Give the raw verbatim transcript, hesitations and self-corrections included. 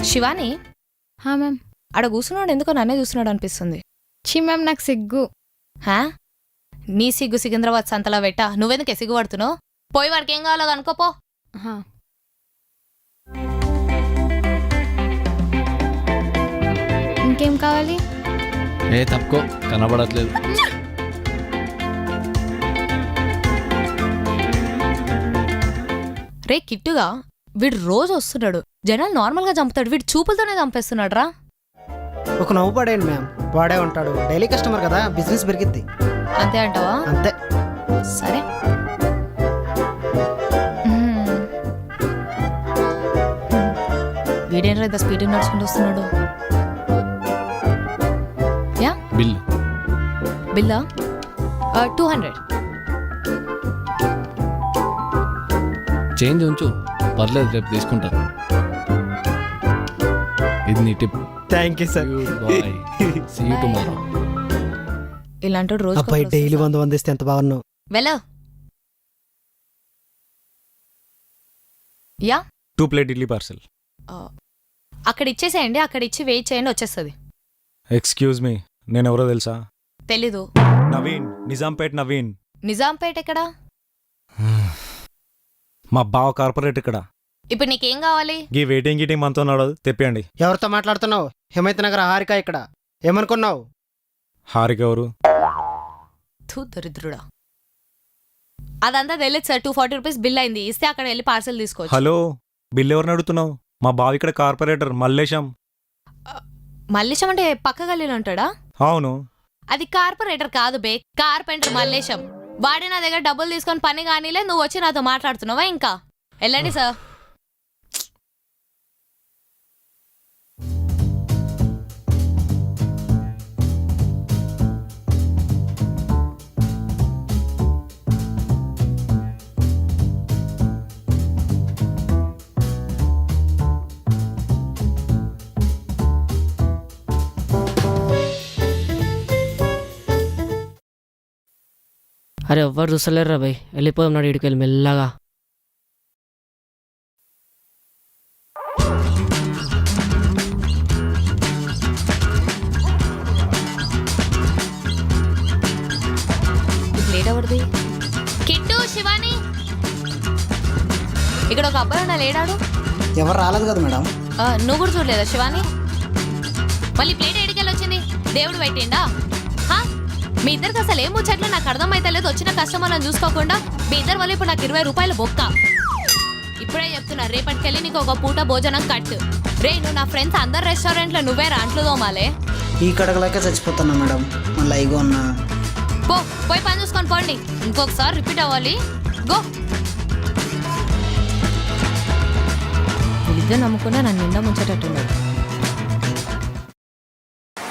శివాని హా మ్యామ్. ఆడ కూర్చున్నాడు ఎందుకో నన్నే చూస్తున్నాడు అనిపిస్తుంది. ఛీ మ్యామ్ నాకు సిగ్గు. హా నీ సిగ్గు సికింద్రాబాద్ సంతలో పెట్ట నువ్వెందుకే సిగ్గు పడుతున్నావు? పోయి వాడికి ఏం కావాలో అనుకోపో. హా. ఇంకేం కావాలి? ఏ తప్పుకో కనబడట్లేదు. రే కిట్టుగా వీడు రోజు వస్తున్నాడు, జనాలు నార్మల్గా చంపుతాడు, వీడు చూపులతోనే చంపేస్తున్నాడు రా. ఒక నవ్వు పడేయండి మ్యామ్, వాడే ఉంటాడు, డైలీ కస్టమర్ కదా, బిజినెస్ పెరిగిద్ది. అంతే అంటావా? అంతే. సరే. మ్మ్. వీడేంట్రా ఇంత స్పీడ్ నడుచుకుంటూ వస్తున్నాడు? యా బిల్ బిల్లా టూ హండ్రెడ్. చేంజ్ ఉంచు, పర్లేదు రేపు తీసుకుంటాను. ఇది నీ tip. Thank you sir. Bye, see you tomorrow. ఇలాంటి రోజు అబ్బాయి డైలీ వంద వంద ఇస్తే ఎంత బాగున్నావు. వెళ్ళ. Yeah two plate idli parcel. అక్కడ ఇచ్చేసేయండి, అక్కడ ఇచ్చి వెయిట్ చేయండి, వచ్చేస్తుంది. ఎక్స్క్యూజ్ మీ, నేను ఎవరో తెలుసా? తెలీదు. నవీన్, నిజాంపేట్ నవీన్. నిజాంపేట ఎక్కడా? మా బావ కార్పొరేట్ ఇక్కడ. ఇప్పుడు నీకేం కావాలి? ఈ వెయిటింగ్ గీటింగ్ మనతో నడదు, తెప్పియండి. ఎవరితో మాట్లాడుతున్నావు? హిమైత్ నగర్ హారిక ఇక్కడ. ఏమనుకున్నావు? హారిక ఎవరు? థూ దరిద్రుడా. అదంతా తెలియదు sir, two forty rupees bill అయింది, ఇస్తే అక్కడ వెళ్ళి పార్సల్ తీసుకోవచ్చు. హలో, బిల్ ఎవరిని అడుగుతున్నావు? మా బావ ఇక్కడ కార్పొరేటర్ మల్లేశం. మల్లేశం అంటే పక్క గల్లీలో ఉంటాడా? అవును. అది కార్పొరేటర్ కాదు బే, కార్పెంటర్ మల్లేశం. వాడే నా దగ్గర డబ్బులు తీసుకొని పని కానీలే, నువ్వు వచ్చి నాతో మాట్లాడుతున్నావా? ఇంకా వెళ్ళండి సార్. అరే ఎవ్వరు చూస్తలేరురా భయ్, వెళ్ళిపోదాం నాడు ఇడికి వెళ్ళి మెల్లగా. లేట్ అవడది. కిట్టు, శివాని, ఇక్కడ ఒక అబ్బాయి ఉన్నా లేడాడు. ఎవరు రాలేదు కదా మేడం. ఆ, నువ్వు కూడా చూడలేదా శివాని? మళ్ళీ ప్లేట్ ఎడికెళ్ళి వచ్చింది, దేవుడు పెట్టిండా? హా, మీ ఇద్దరికి అసలు ఏం ముచ్చట్లు నాకు అర్థమైతలేదు. వచ్చిన కస్టమర్లను చూసుకోకుండా మీ ఇద్దరు వల్ల ఇప్పుడు నాకు ఇరవై రూపాయలు బొక్క. ఇప్పుడే చెప్తున్నా, రేపటికెళ్ళి నీకు ఒక పూట భోజనం కట్టు. రే, నువ్వు నా ఫ్రెండ్స్ అందరు రెస్టారెంట్లో నువ్వే రాంట్లు తోమాలే. ఈ కడగలేక చచ్చిపోతున్నా మేడం, మళ్ళీ ఇగో ఉన్నా. పో, పోయి పని చూసుకొని పోండి, ఇంకొకసారి రిపీట్ అవ్వాలి. గో. వీళ్ళిద్దరు నమ్ముకున్నా నన్ను నిండా ముంచేటట్టున్నాడు.